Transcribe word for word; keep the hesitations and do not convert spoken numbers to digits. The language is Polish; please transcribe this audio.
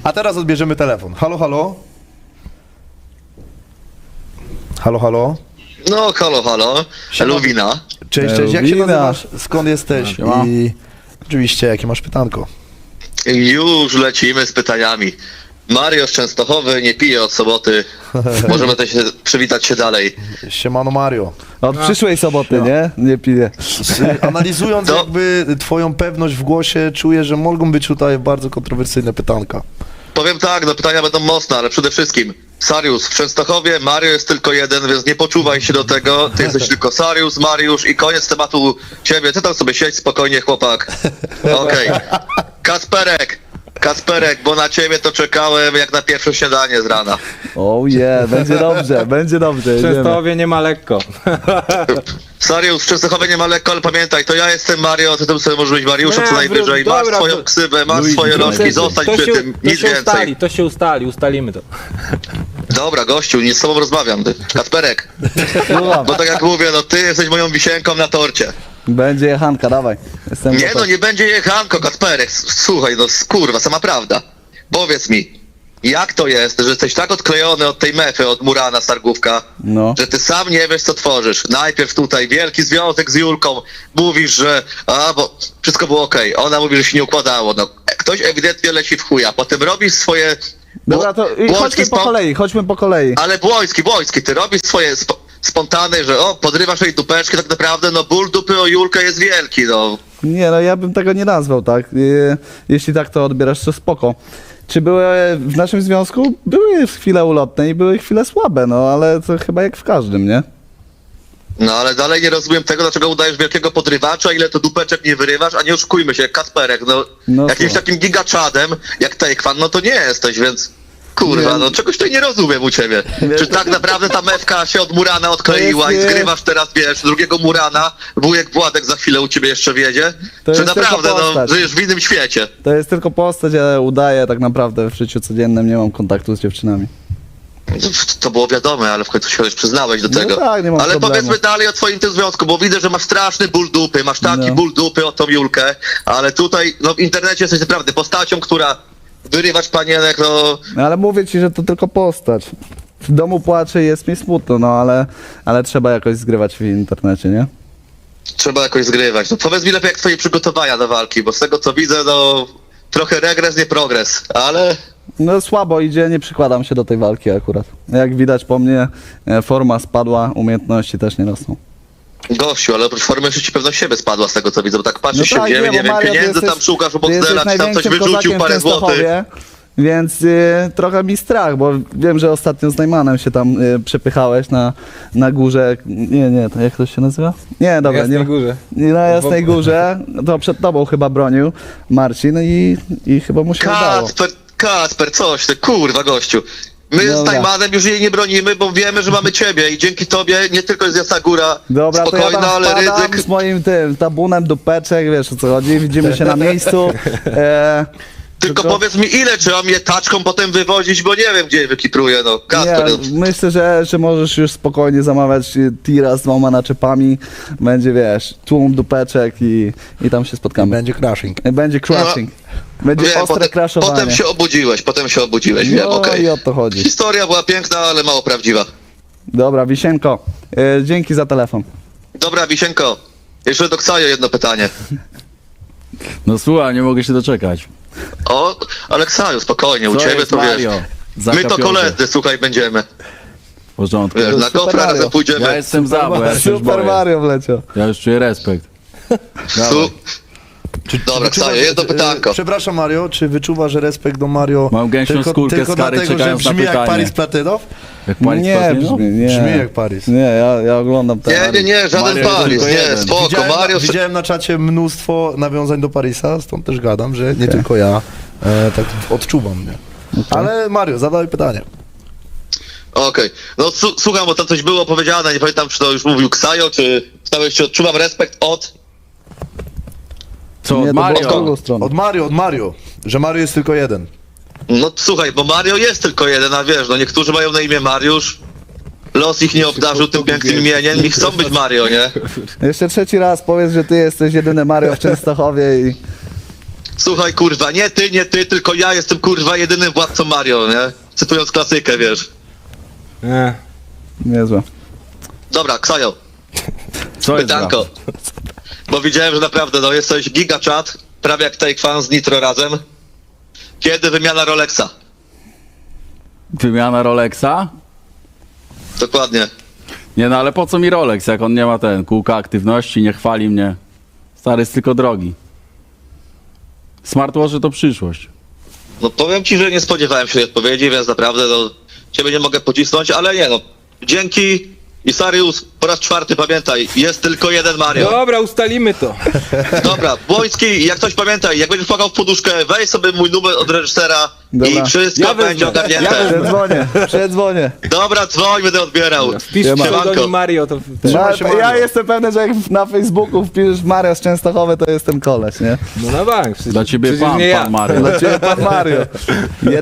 A teraz odbierzemy telefon. Halo, halo? Halo, halo? No, halo, halo. Luwina. Cześć, cześć. Jak się Luwina. nazywasz? Skąd jesteś? No. I oczywiście, jakie masz pytanko? Już lecimy z pytaniami. Mario z Częstochowy nie pije od soboty. Możemy też się, przywitać się dalej. Siemano Mario. Od przyszłej soboty, nie? Nie piję. Analizując To- jakby twoją pewność w głosie, czuję, że mogą być tutaj bardzo kontrowersyjne pytanka. Powiem tak, no pytania będą mocne, ale przede wszystkim Sarius w Częstochowie, Mario jest tylko jeden, więc nie poczuwaj się do tego. Ty jesteś tylko Sarius, Mariusz i koniec tematu ciebie. Ty tam sobie siedź spokojnie, chłopak. Okej. Kasperek, Kasperek, bo na ciebie to czekałem jak na pierwsze śniadanie z rana. Oh yeah, będzie dobrze, będzie dobrze. W jedziemy. Częstochowie nie ma lekko. Sarius, w Częstochowie nie ma lekko, ale pamiętaj, to ja jestem Mario, ty tym sobie możesz być Mariuszem Nie, co najwyżej. wró- Masz dobra, swoją wró- ksywę, masz Luigi, swoje to rożki, zostań to przy się, tym, to nic się więcej. ustali, to się ustali, ustalimy to. Dobra, gościu, nie z tobą rozmawiam, ty. Kasperek, Słucham. bo tak jak mówię, no ty jesteś moją wisienką na torcie. Będzie jechanka, dawaj. Jestem Nie gotowy. no, nie będzie jechanko, Kasperek, S- słuchaj, no kurwa, sama prawda. Powiedz mi, jak to jest, że jesteś tak odklejony od tej mefy, od Murana Stargówka, No. że ty sam nie wiesz, co tworzysz. Najpierw tutaj wielki związek z Julką, mówisz, że a, bo wszystko było okej, ona mówi, że się nie układało, no ktoś ewidentnie leci w chuja, potem robisz swoje... Dobra, to i Błoński chodźmy po spo- kolei, chodźmy po kolei. Ale Błoński, Błoński, ty robisz swoje sp- spontane, że o, podrywasz jej dupeczki, tak naprawdę, no ból dupy o Julkę jest wielki, no. Nie, no ja bym tego nie nazwał, tak? E, Jeśli tak to odbierasz, to spoko. Czy były w naszym związku? Były chwile ulotne i były chwile słabe, no ale to chyba jak w każdym, nie? No ale dalej nie rozumiem tego, dlaczego udajesz wielkiego podrywacza, ile to dupeczek nie wyrywasz, a nie oszukujmy się, jak Kasperek, no, No jakimś słuchaj. takim gigaczadem, jak Taekwan, no to nie jesteś, więc kurwa, Nie. no czegoś tutaj nie rozumiem u ciebie. Nie. Czy tak naprawdę ta mewka się od Murana odkleiła To i jest nie- zgrywasz teraz, wiesz, drugiego Murana, wujek Władek za chwilę u ciebie jeszcze wiedzie? To Czy jest naprawdę, tylko no, postać. żyjesz w innym świecie? To jest tylko postać, ale udaję tak naprawdę w życiu codziennym, nie mam kontaktu z dziewczynami. To było wiadome, ale w końcu się już przyznałeś do No tego. tak, nie mam ale problemu. powiedzmy dalej o twoim tym związku, bo widzę, że masz straszny ból dupy, masz taki No. ból dupy o tą Julkę, ale tutaj, no w internecie jesteś naprawdę postacią, która wyrywać panienek, no No ale mówię ci, że to tylko postać. W domu płaczę i jest mi smutno, no ale, ale trzeba jakoś zgrywać w internecie, nie? trzeba jakoś zgrywać. No powiedz mi lepiej, jak twoje przygotowania do walki, bo z tego co widzę, no trochę regres, nie progres, ale No słabo idzie, nie przykładam się do tej walki akurat. Jak widać po mnie, e, forma spadła, umiejętności też nie rosną. gościu, ale oprócz formy jeszcze ci pewność siebie spadła z tego co widzę, bo tak patrzysz się w ziemię, No bo nie wiem, Mario, ty pieniędzy jesteś- tam szukasz u ty jesteś Boxdela, czy tam coś największym wyrzucił, kozakiem w parę złotych. Częstochowie, Więc y, trochę mi strach, bo wiem, że ostatnio z Najmanem się tam y, przepychałeś na, na górze. Nie, nie, to jak to się nazywa? Nie, dobra, Jasnej nie. Górze. Nie, na Jasnej W- Górze. To przed tobą chyba bronił Marcin i, i chyba mu się udało. Kacper, Kacper, coś ty, kurwa gościu. My z Dobra. Najmanem już jej nie bronimy, bo wiemy, że mamy ciebie i dzięki tobie nie tylko jest Jasna Góra Dobra, to ja spokojna, tam ale wpadam ryzyk... z moim tym tabunem dupeczek, wiesz o co chodzi, widzimy się na miejscu. E, Tylko powiedz mi ile trzeba mnie taczką potem wywozić, bo nie wiem gdzie je wykipruję, no. Kacper, no. Nie, myślę, że, że możesz już spokojnie zamawiać y, tira z dwoma naczepami. Będzie, wiesz, tłum dupeczek i, i tam się spotkamy. Będzie crashing. Będzie crashing. Będzie Wiem, ostre potem, crashowanie. potem się obudziłeś, potem się obudziłeś, wiem, No okej. i o to chodzi. Historia była piękna, ale mało prawdziwa. Dobra, Wisienko, y, dzięki za telefon. Dobra, Wisienko, jeszcze do Ksajo jedno pytanie. No słuchaj, nie mogę się doczekać. O, ale Ksajo, spokojnie, u Co ciebie jest, to wiesz. Mario? My Zaka to Piątek. koledzy, słuchaj, będziemy. W porządku. Wiesz, na Super gofra Mario. razem pójdziemy. Ja jestem za, bo ja się już Super boję. Mario wleciał. Ja już czuję respekt. Su... Dobra, Wyczuwasz- Ksajo, jedno e, pytanko. Przepraszam Mario, czy wyczuwasz że respekt do Mario Mam gęsią tylko, skórkę tylko z kary, dlatego, że czekając na brzmi jak pytanie. Paris Platynow? Jak pani Nie, Platynow? brzmi, nie. Brzmi jak Paris. Nie, ja, ja oglądam ten. Nie, nie, nie, żaden Mario Paris, tylko nie, jeden. spoko, Widziałem, Mario... widziałem na czacie mnóstwo nawiązań do Parisa, stąd też gadam, że nie tylko ja e, tak odczuwam, nie? Ale Mario, zadaj pytanie. Okej, no su- słucham, bo tam coś było powiedziane, nie pamiętam, czy to już mówił Ksajo, czy stałeś się odczuwam respekt od... Co, Nie, od to było w Mario? drugą stronę. Od Mario, od Mario, że Mario jest tylko jeden. No słuchaj, bo Mario jest tylko jeden, a wiesz, no niektórzy mają na imię Mariusz, los ich nie obdarzył tym pięknym imieniem i chcą być Mario, nie? Jeszcze trzeci raz powiedz, że ty jesteś jedyny Mario w Częstochowie i... Słuchaj, kurwa, nie ty, nie ty, tylko ja jestem, kurwa, jedynym władcą Mario, nie? Cytując klasykę, wiesz. Nie. Niezłe. Dobra, Ksajo, Co jest pytanko. grane? Bo widziałem, że naprawdę, no, jesteś giga chat, prawie jak Take Fan z Nitro razem. Kiedy wymiana Rolexa? Wymiana Rolexa? Dokładnie. Nie no, ale po co mi Rolex, jak on nie ma ten kółka aktywności, nie chwali mnie. Stary jest tylko drogi. Smartwatche to przyszłość. No powiem ci, że nie spodziewałem się tej odpowiedzi, więc naprawdę, no, ciebie nie mogę pocisnąć, ale nie, no. Dzięki. I Sarius, po raz czwarty pamiętaj, jest tylko jeden Mario. Dobra, ustalimy to. Dobra, Błoński, jak ktoś pamiętaj, jak będziesz płakał w poduszkę, weź sobie mój numer od reżysera Dobra. i wszystko Ja będzie wezmę. ogarnięte. Ja Przedzwonię, przedzwonię. Dobra, dzwoń, będę odbierał. Wpisz Siema. pseudonim Mario, to... Ma, się, ja Mario. jestem pewny, że jak na Facebooku wpiszesz Mario z Częstochowy, to jestem koleś, nie? No na bank. Przecież, Dla ciebie przecież pan, nie ja. pan Mario. Dla ciebie pan Mario.